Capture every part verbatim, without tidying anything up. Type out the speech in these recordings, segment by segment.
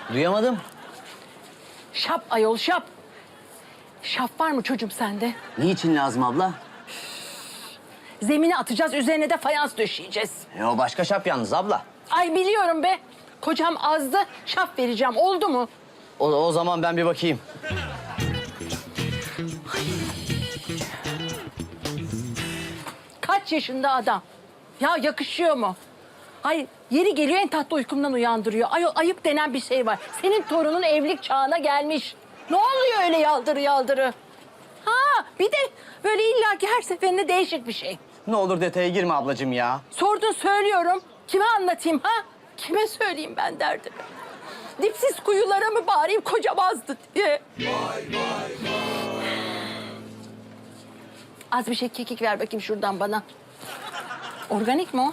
Duyamadım. Şap ayol şap. Şap var mı çocuğum sende? Niçin lazım abla? Zemine atacağız, üzerine de fayans döşeyeceğiz. E, o başka şap yalnız abla. Ay biliyorum be. Kocam azdı, şap vereceğim. Oldu mu? O, o zaman ben bir bakayım. Kaç yaşında adam? Ya yakışıyor mu? Ay yeri geliyor en tatlı uykumdan uyandırıyor. Ay ayıp denen bir şey var. Senin torunun evlilik çağına gelmiş. Ne oluyor öyle yaldırı yaldırı? Ha bir de böyle illaki her seferinde değişik bir şey. Ne olur detaya girme ablacığım ya. Sordun söylüyorum. Kime anlatayım ha? Kime söyleyeyim ben derdimi? Dipsiz kuyulara mı bağırayım kocam azdı diye. Vay vay vay. Az bir şey kekik ver bakayım şuradan bana. Organik mi o?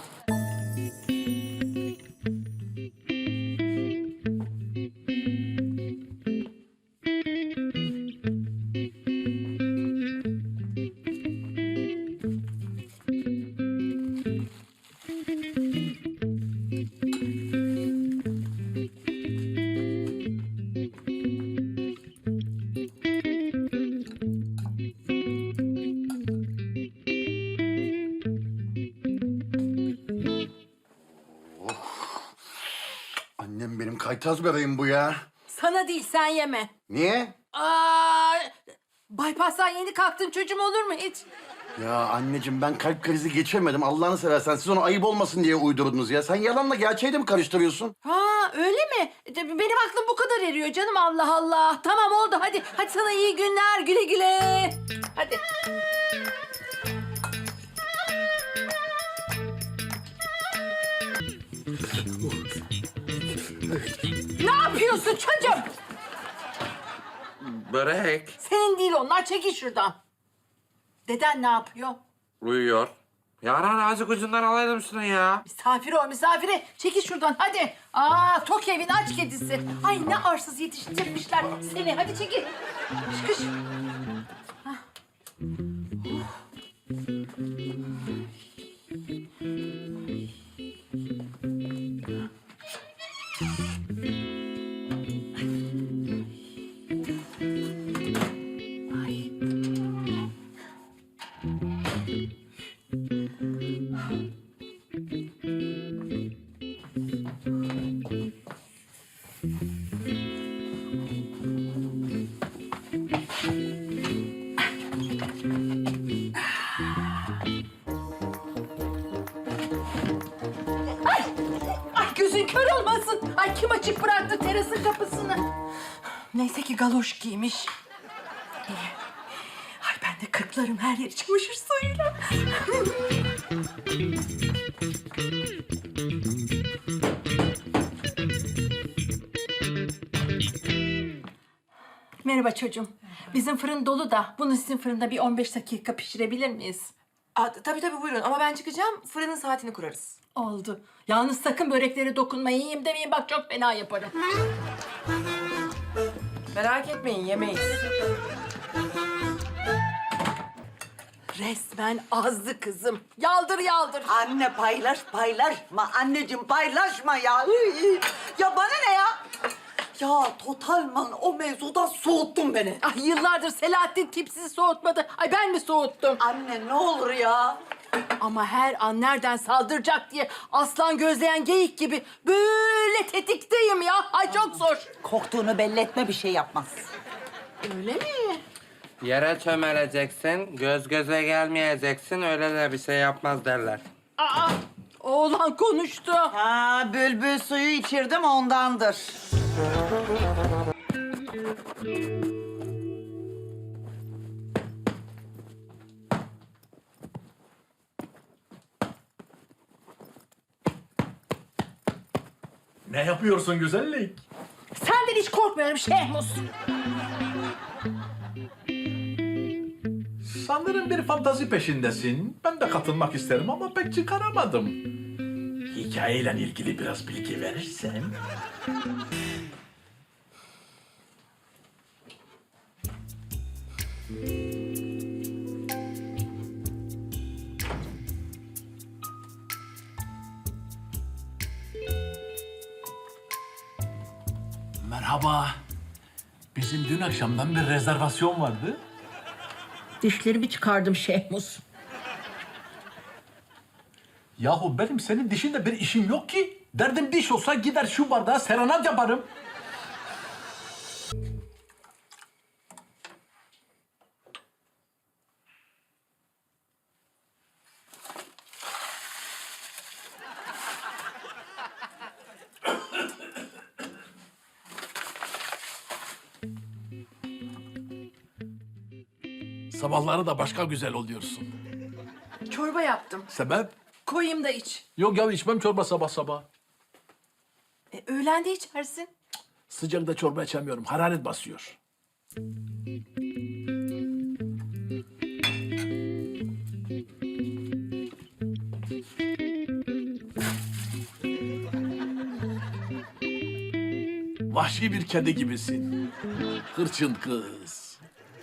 Annem benim kaytaz bebeğim bu ya. Sana değil sen yeme. Niye? Aa, bypass'tan yeni kalktın çocuğum olur mu hiç? Ya anneciğim ben kalp krizi geçirmedim. Allah'ını seversen siz onu ayıp olmasın diye uydurdunuz ya. Sen yalanla gerçeği de mi karıştırıyorsun? Ha öyle mi? Benim aklım bu kadar eriyor canım Allah Allah. Tamam oldu hadi. Hadi sana iyi günler güle güle. Hadi. Ne yapıyorsun çocuğum? Börek. Senin değil onlar çekil şuradan. Deden ne yapıyor? Uyuyor. Yaran azıcık ucundan alaydım şunu ya. Misafir o misafiri. Çekil şuradan hadi. Aa tok evin aç kedisi. Ay ne arsız yetiştirmişler seni. Hadi çekil. Kış kış. Hah. Ay. Ay gözün kör olmasın. Ay kim açık bıraktı terasın kapısını? Neyse ki galoş giymiş. İyi. Ay ben de kırklarım her yeri çamaşır suyuyla. Merhaba çocuğum. Bizim fırın dolu da bunu sizin fırında bir on beş dakika pişirebilir miyiz? Aa, tabii tabii buyurun ama ben çıkacağım. Fırının saatini kurarız. Oldu. Yalnız sakın böreklere dokunmayın. Yiyeyim demeyin bak çok fena yaparım. Merak etmeyin yemeyiz. Resmen azdı kızım. Yaldır yaldır. Anne paylaş paylaşma. Anneciğim paylaşma ya. Iy, ya bana ne ya? Ya Totalman o mevzudan soğuttun beni. Ay yıllardır Selahattin tipsiz soğutmadı. Ay ben mi soğuttum? Anne ne olur ya. Ama her an nereden saldıracak diye aslan gözleyen geyik gibi böyle tetikteyim ya. Ay çok zor. Korktuğunu belli etme bir şey yapmaz. Öyle mi? Yere çömeleceksin, göz göze gelmeyeceksin, öyle de bir şey yapmaz derler. Aa, oğlan konuştu. Ha bülbül suyu içirdim ondandır. Ne yapıyorsun güzellik? Senden hiç korkmuyorum Şehmus. Sanırım bir fantazi peşindesin. Ben de katılmak isterim ama pek çıkaramadım. Hikayeyle ilgili biraz bilgi verirsen. Merhaba. Bizim dün akşamdan bir rezervasyon vardı. Dişlerimi çıkardım Şehmus. Yahu benim senin dişinde bir işim yok ki. Derdim diş olsa gider şu bardağa serenat yaparım. Sabahları da başka güzel oluyorsun. Çorba yaptım. Sebep? Koyayım da iç. Yok ya içmem çorba sabah sabah. E, öğlen de içersin. Sıcakta çorba içemiyorum. Hararet basıyor. Vahşi bir kedi gibisin. Hırçın kız.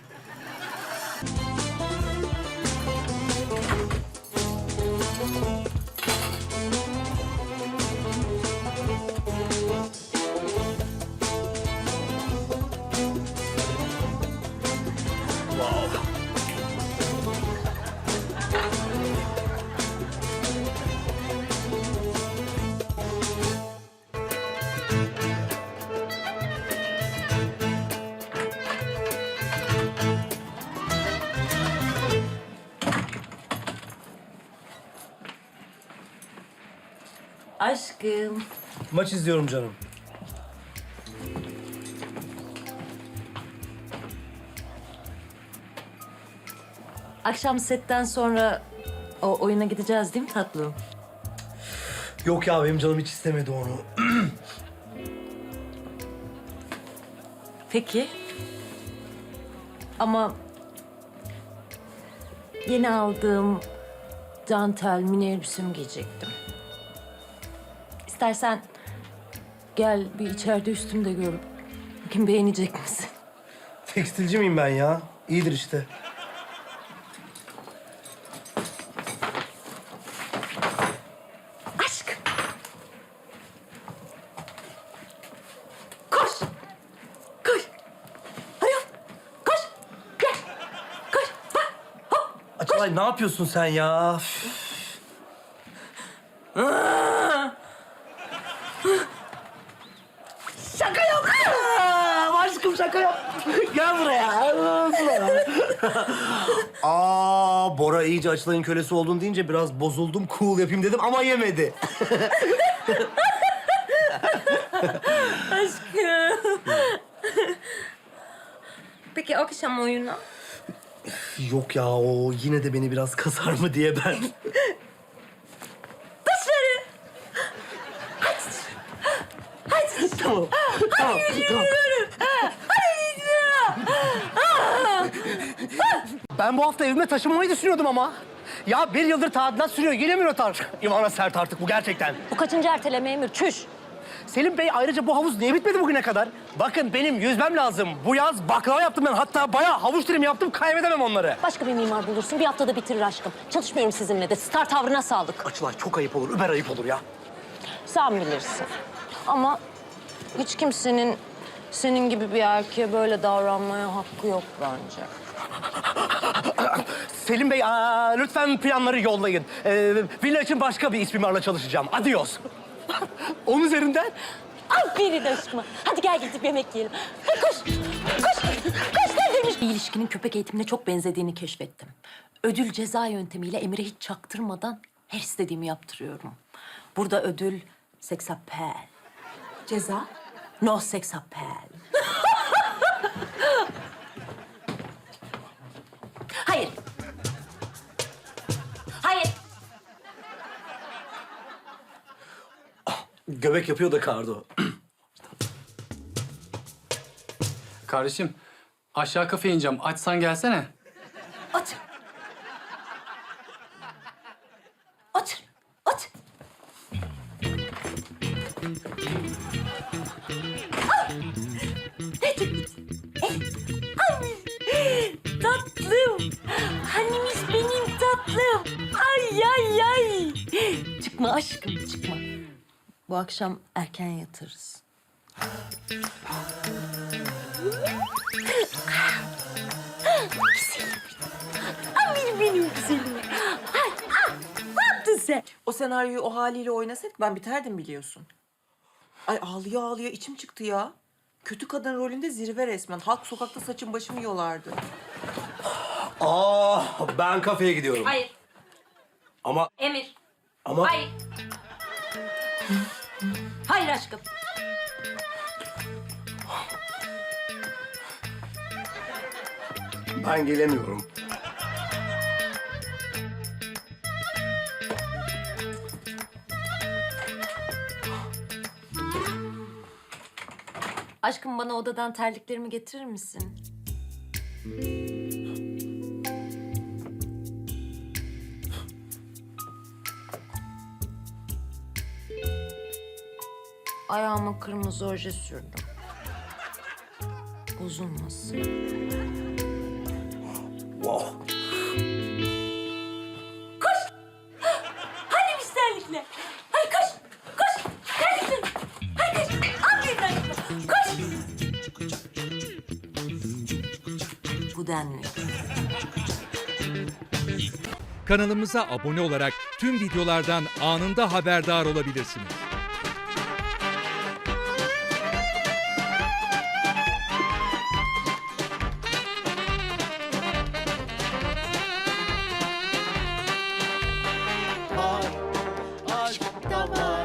Aşkım. Maç izliyorum canım. Akşam setten sonra o oyuna gideceğiz değil mi tatlım? Yok ya benim canım hiç istemedi onu. Peki. Ama yeni aldığım dantel mini elbisemi giyecektim. İstersen gel bir içeride üstümü de gör. Bakayım beğenecek misin? Tekstilci miyim ben ya? İyidir işte. Aşk. Koş. Koş. Hadi yap. Koş. Gel. Koş. Bak. Hop. Açılay ne yapıyorsun sen ya? Şaka yok. Aa, aşkım şaka yok. Gel buraya. Aa, Bora iyice Açılay'ın kölesi oldun deyince biraz bozuldum. Cool yapayım dedim ama yemedi. Peki akşam oyunu? Yok ya o yine de beni biraz kasar mı diye ben. Dışarı! Tamam. Tamam. Tamam. Ben bu hafta evime taşınmayı düşünüyordum ama. Ya bir yıldır tadilat sürüyor. Gelemiyor otar. İvana sert artık bu gerçekten. Bu kaçıncı erteleme Emir? Çüş. Selim Bey ayrıca bu havuz niye bitmedi bugüne kadar? Bakın benim yüzmem lazım. Bu yaz baklava yaptım ben. Hatta bayağı havuç dilim yaptım. Kaybedemem onları. Başka bir mimar bulursun. Bir haftada bitirir aşkım. Çalışmıyorum sizinle de. Star tavrına sağlık. Açılay çok ayıp olur. Über ayıp olur ya. Sen bilirsin. Ama hiç kimsenin senin gibi bir erkeğe böyle davranmaya hakkı yok bence. Selim Bey aa, lütfen planları yollayın. Ee, villa için başka bir iç mimarla çalışacağım. Adios. Onun üzerinden. Aferin aşkıma. Hadi gel gidip yemek yiyelim. Hadi koş. Koş. Koş neredeymiş? Bir ilişkinin köpek eğitimine çok benzediğini keşfettim. Ödül ceza yöntemiyle Emir'e hiç çaktırmadan her istediğimi yaptırıyorum. Burada ödül seksapel. Ceza? No seksapel. Hayır. Hayır. Göbek yapıyor da Kardo. Kardeşim, aşağı kafeye ineceğim. Açsan gelsene. Otur. Otur. Otur. Ne çekmişsin? Ay, tatlım. Hanimiş benim tatlım. Ay ay ay. Çıkma aşkım çıkma. Bu akşam erken yatarız. Ay benim güzelim. Ay, ah, ne yaptın sen? O senaryoyu o haliyle oynasaydık ben biterdim biliyorsun. Ay ağlıyor ağlıyor içim çıktı ya. Kötü kadın rolünde zirve resmen. Halk sokakta saçım başımı yolardı. Aa, ben kafeye gidiyorum. Hayır. Ama Emir. ama Hayır. Hayır aşkım. ben gelemiyorum. Aşkım bana odadan terliklerimi getirir misin? Ayağıma kırmızı oje sürdüm. Bozulmasın. Wow. Hadi biz terlikle. Hadi koş. Koş. Terlikle. Hadi koş. Aferin aşkım. Koş. Bu denli. Kanalımıza abone olarak tüm videolardan anında haberdar olabilirsiniz.